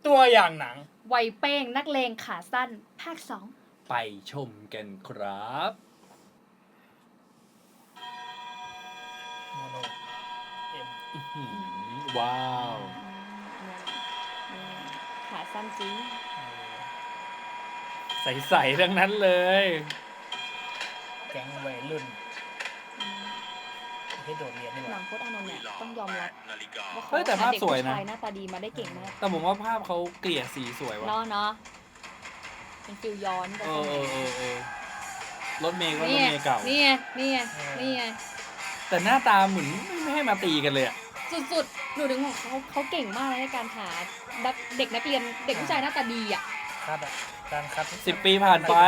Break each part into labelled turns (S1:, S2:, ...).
S1: ตัวอย่างหนัง
S2: ไวเป้งนักเลงขาสั้นภาค 2
S3: ไปชมกันครับ
S1: โมโนเอ็ม
S3: ว้าว
S2: ขาสั้นจริง
S3: ใสๆทั้งนั้นเลย
S1: แก๊งวัยรุ่นที่โดดเรียนนี่ห
S2: หนั
S1: ว่าง
S2: โคตรอานนท์เนี่ยต้องยอมรับว่าเขา
S3: แต่ภาพสวยนะ
S2: เด็กผู้ชายหน้าตาดีมาได้เก่งมาก
S3: แต่ผมว่าภาพเขาเกลี่ยสีสวยว่ะ
S2: เนาะเป็นฟิลย้อนไป
S3: รถเมย์ก็รถเมย์เก่า
S2: นี่ไง
S3: แต่หน้าตาเหมือนไม่ให้มาตีกันเลยอะ
S2: สุดๆหนูถึงบอกเขาเก่งมากในการหาเด็กนักเรียนเด็กผู้ชายหน้าตาดีอ่ะ
S1: คัดการคัด
S3: 10 ปีผ่านไป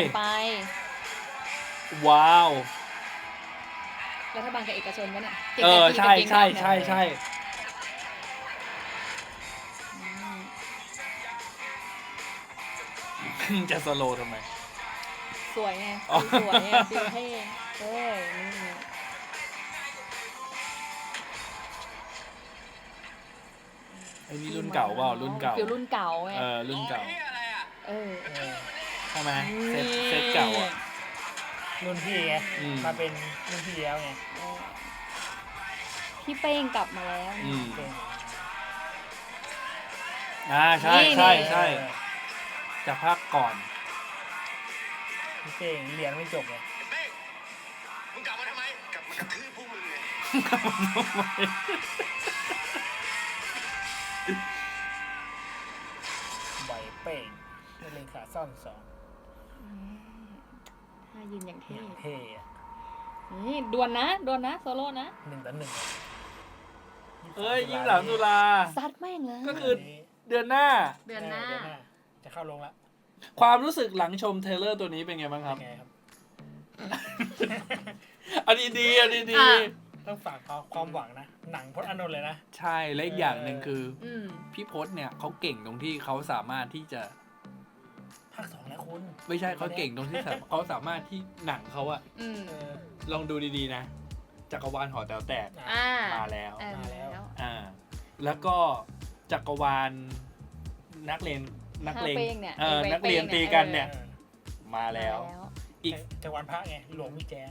S3: ว้าว
S2: รัฐบาลกับเอกชนวะเนี่ย
S3: ใช่จะสโลว์ทำไม
S2: สวยไงสวยไงฟิลเท่นี่
S3: ไอ้นี่รุ่นเก่าเปล่ารุ่นเก่า
S2: ฟิลรุ่นเก่าไง
S3: รุ่นเก่า
S1: ใช่
S3: ไหมเซตเก่าอ่ะ
S1: รุ่นพี่ไงมาเป็นรุ่นพี่แล้วไง
S2: พี่เป้งกลับมาแล้ว
S3: ใช่จากภาคก่อน
S1: พี่เป้งเรียนไม่จบไง
S4: มึงกลับมาทำไมกลับมากระทืบพวกมึงไง
S1: ใบเป้งเลขาซ่อน2
S2: ถ้ายืนอย่างเท่
S1: นี่
S2: ดวลนะโซโล่นะ
S1: 1-1
S3: 23 ตุลา
S2: ซัดแม่งเลย
S3: ก็คือเดือนหน้า
S1: จะเข้าลงแล้ว
S3: ความรู้สึกหลังชมเทรลเลอร์ตัวนี้เป็นไงบ้างครับอันนี้ดี
S1: ต้องฝากความหวังนะหนังพจน์อานนท์เลยนะ
S3: ใช่และอีกอย่างหนึ่งคือพี่พจน์เนี่ยเขาเก่งตรงที่เขาสามารถที่จะ
S1: ภาค 2แล้วคุณ
S3: ไม่ใช่เขาเก่งตรงที่เขาสามารถที่หนังเขาอะลองดูดีๆนะจักรวาลหอแต๋วแตกมาแล้วแล้วก็จักรวาลนักเลงนักเรียนตีกันเนี่ยมาแล้ว
S1: อีกจักรวาลพระไงหลวงพี่แจ๊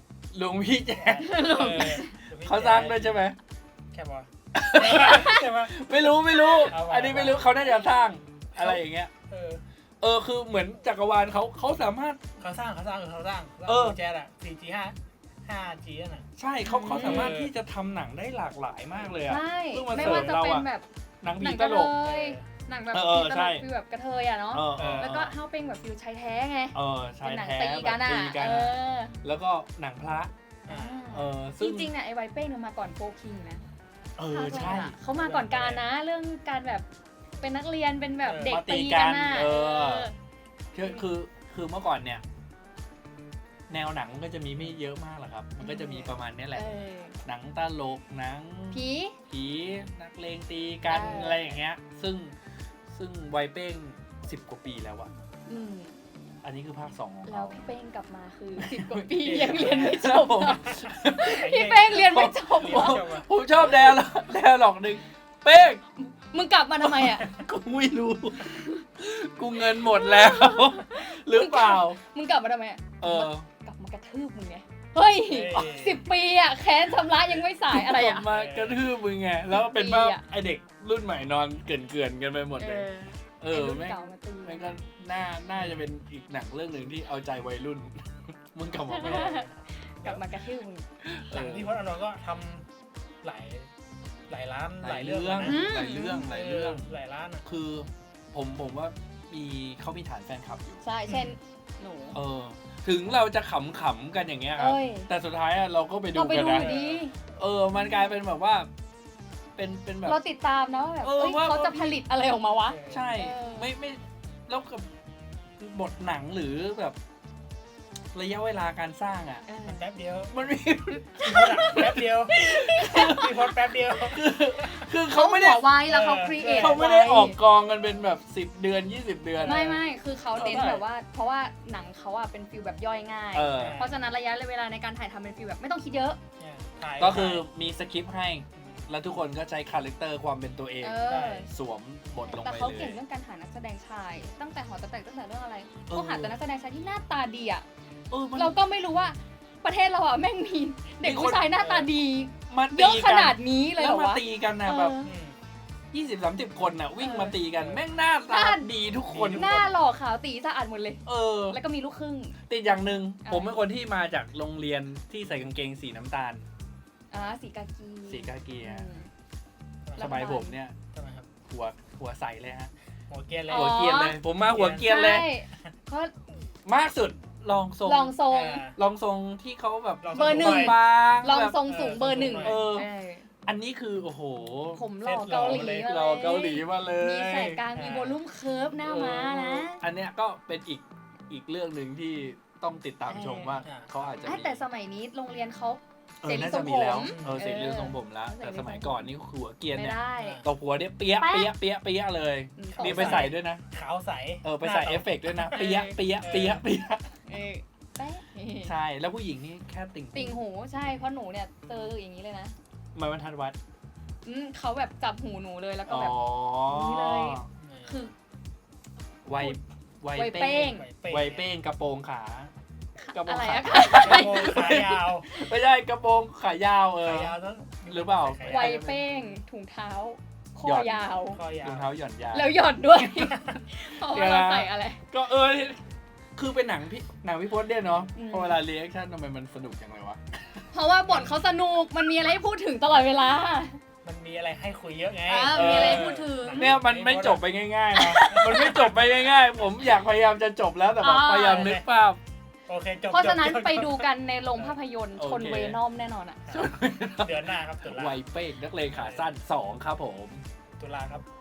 S3: เขาสร้างด้วยใช่ไหม
S1: แค่บอ
S3: ไม่รู้อันนี้ไม่รู้เขาน่าจะสร้างอะไรอย่างเงี้ยคือเหมือนจักรวาลเขาสามารถ
S1: เขาสร้างแจ๊ดอะ 4G 5G น่ะ
S3: ใช่เขาสามารถที่จะทำหนังได้หลากหลายมากเลยอะ
S2: ไม่ว่าจะเป็นแบบ
S3: หนังผีตลก
S2: หนังแบบผีตลกฟิลแบบกระเทยอะเนาะแล้วก็เฮาเป็นแบบฟิลชายแท้ไง
S3: เป็น
S2: หนังตีกันอะ
S3: แล้วก็หนังพระ
S2: จริงๆเนี่ยไอ้ไวเป้งเนี่ยมาก่อนโฟคิงนะ
S3: ใช่
S2: เขามาก่อนการนะเรื่องการแบบเป็นนักเรียนเป็นแบบเด็กตีกันน่ะ
S3: คือเมื่อก่อนเนี่ยแนวหนังมันก็จะมีไม่เยอะมากหรอกครับมันก็จะมีประมาณนี้แหละหนังตลกหนังผีนักเลงตีกันอะไรอย่างเงี้ยซึ่งไวเป้ง10 กว่าปีแล้วอะอันนี้คือภาค 2ของเขา
S2: แล้วพี่เป้งกลับมาคือ10 กว่าปียังเรียนไม่จบพี่เป้งเรียนไม่จบ
S3: ผมชอบแดร์ล็อกนึงเป้ง
S2: มึงกลับมาทำไมอ่ะ
S3: กูไม่รู้กูเงินหมดแล้วหรือเปล่า
S2: มึงกลับมาทำไมกลับมากระทืบมึงไงเฮ้ย10 ปีอ่ะแค้นชำระยังไม่สายอะไรอ่ะ
S3: มากระทืบมึงไงแล้วเป็นว่าไอเด็กรุ่นใหม่นอนเกลื่อนกันไปหมดเลยแม่งก็น่าจะเป็นอีกหนังเรื่องหนึ่งที่เอาใจวัยรุ่นมึงกลับมาไม่ได้
S2: กลับมากระทืบมึง
S1: หนังที่พจน์อานนท์ก็ทำหลายล้านหลายเรื่อง
S3: หลายเรื่อง
S1: ล้าน
S3: คือผมว่าเขามีฐานแฟนคลับอยู่
S2: ใช่เช่นหนู
S3: ถึงเราจะขำๆกันอย่างเงี้ยครับแต่สุดท้ายเราก็ไปดูกันนะมันกลายเป็นแบบว่าเป็นแบบ
S2: เราติดตามนะแบบเขาจะผลิตอะไรออกมาวะ
S3: ใช่ไม่แล้วกับบทหนังหรือแบบระยะเวลาการสร้างอ่ะ
S1: แป๊บเดียว
S3: มันมี
S1: แป๊บเดียวมีพอดแป๊บเดียว
S3: คือเขาไม่ได้
S2: ไว้แล้วเขาครีเอท
S3: เขาไม่ได้ออกกองกันเป็นแบบ10 เดือน20 เดือน
S2: ไม่คือเขาเน้นแบบว่าเพราะว่าหนังเขาเป็นฟีลแบบย่อยง่ายเพราะฉะนั้นระยะเวลาในการถ่ายทำเป็นฟีลแบบไม่ต้องคิดเยอะ
S3: ก็คือมีสคริปต์ให้แล้วทุกคนก็ใช้คาแรคเตอร์ความเป็นตัวเอง สวมบทลง
S2: แต่
S3: ไป
S2: เขา
S3: เล
S2: เก่ง
S3: ย
S2: เรื่องการหานักแสดงชาย ตั้งแต่หอแต๋วแตกตั้งแต่เรื่องอะไร
S3: เออ
S2: เขาหาแต่นักแสดงชายที่หน้าตาดีอ่ะ
S3: มัน
S2: เราก็ไม่รู้ว่าประเทศเราอ่ะแม่งมีเด็ก
S3: มีคน
S2: ผู้ชายหน้าตาดี
S3: มา
S2: เย
S3: ตี
S2: อะข
S3: กัน
S2: นาดนี้เลยเห
S3: แล้
S2: ร
S3: ว
S2: อ
S3: มาว
S2: ะ
S3: ตีกันนะแบบ 20-30 คนน่ะวิ่งมาตีกัน แม่งหน้าตาดีทุกคน
S2: หน้าหล่อขาวตีสะอาดหมดเลย
S3: เออ
S2: แล้วก็มีลูกครึ่ง
S3: ติดอย่างหนึ่ง
S2: อะไร
S3: ผมเป็นคนที่มาจากโรงเรียนที่ใส่กางเกงสีน้ำตาล
S2: สีกากี
S3: สีกาเกีย
S2: อืม
S3: สมัยผมเนี่ย
S1: ทำไมครับ
S3: หัวใสเลยฮะ
S1: หัวเกรียนเลย
S2: อ๋อ
S3: หัวเกรียนเลย ผมมาหัวเกรียนเลย
S2: ใช่เขา
S3: มากสุดลองทรง
S2: ลองทรง
S3: ลองทรงที่เขาแบบ
S2: เบอร์หนึ่ง
S3: บางๆ
S2: ลอง
S3: แบบ
S2: ทรงสูงเบอร์หนึ่ง
S3: เออ
S2: เออ
S3: อันนี้คือโอ้โห
S2: ผมหล่อเกาหลี
S3: เราเกาหลีมาเลย
S2: มีแสกกลางมีโวลุ่มเคิร์ฟหน้าม้านะ
S3: อันเนี้ยก็เป็นอีกเรื่องหนึ่งที่ต้องติดตามชมว่าเขาอาจจะมี
S2: แต่สมัยนี้โรงเรียนเขา
S3: เอ
S2: เส
S3: อ
S2: รี
S3: น่า
S2: ทร
S3: จะ
S2: ง
S3: มี
S2: ผม
S3: แล้วเสรีทรงผมแล้ว
S2: เสรี
S3: แต่
S2: ทรงผม
S3: สมัยก่อนนี่คือหัวเกรียน
S2: ไม่
S3: เนี่ย
S2: ได้
S3: ตบหัวเนี่ยเปียะ
S2: แป๊ะ
S3: เปียะเปียะเปียะเลย นี่ไปใส่ด้วยนะ
S1: ขาวใส
S3: ไปใส่เอฟเฟกต์ด้วยนะเปียะเปียะเปียะเปียะ
S2: แป๊ะ
S3: ใช่แล้วผู้หญิงนี่แค่ติ่ง
S2: ติ่งหูใช่เพราะหนูเนี่ยเจออย่างนี้เลยนะ
S3: มาบรรทัดวัด
S2: เขาแบบจับหูหนูเลยแล้วก็
S3: อ๋อ
S2: แบบ นี่เลย คือ
S3: ไว
S2: ไวเป้ง
S3: ไวเป้งกระโปรงขา กระโปรง
S2: อะไร
S3: ขา
S2: อะ
S1: กระโปรงขายาว
S3: ไม่ใช่กระโปรงขายาว
S1: ขายาวนั้น
S3: หรือเปล่า
S2: ไวเป้งถุงเท้าคอยาว
S1: คอยาร
S3: อง
S1: ว
S3: เท้าหย่อนยาว
S2: แล้วหย่อนด้วย เพราะว่าเราใส่อะไร
S3: ก็คือเป็นหนังพี่พจน์เนี่ยเนาะ
S2: อืม
S3: พอเวลาเรีแอคชั่นทำไมมันสนุกจังเลยวะ
S2: เพราะว่าบทเขาสนุกมันมีอะไรให้พูดถึงตลอดเวลา
S1: มันมีอะไรให้คุยเยอะไง
S2: มีอะไรให้พูดถึง
S3: เนี่ยมันไม่จบไปง่ายๆนะ มันไม่จบไปง่ายๆ ผมอยากพยายามจะจบแล้วแต่แบบพยายามนึกภาพ
S1: โอเคจบ
S2: เพราะฉะนั้น
S1: จบ
S2: ไปดูกันในโรงภาพยนตร์
S3: โอเค
S2: ชนเวนอมแน่นอนอ่ะ
S1: เดือนหน้าครับตุลา
S3: ไวเป้งนักเลงขาสั้น 2 ครับผม
S1: ตุลาครับ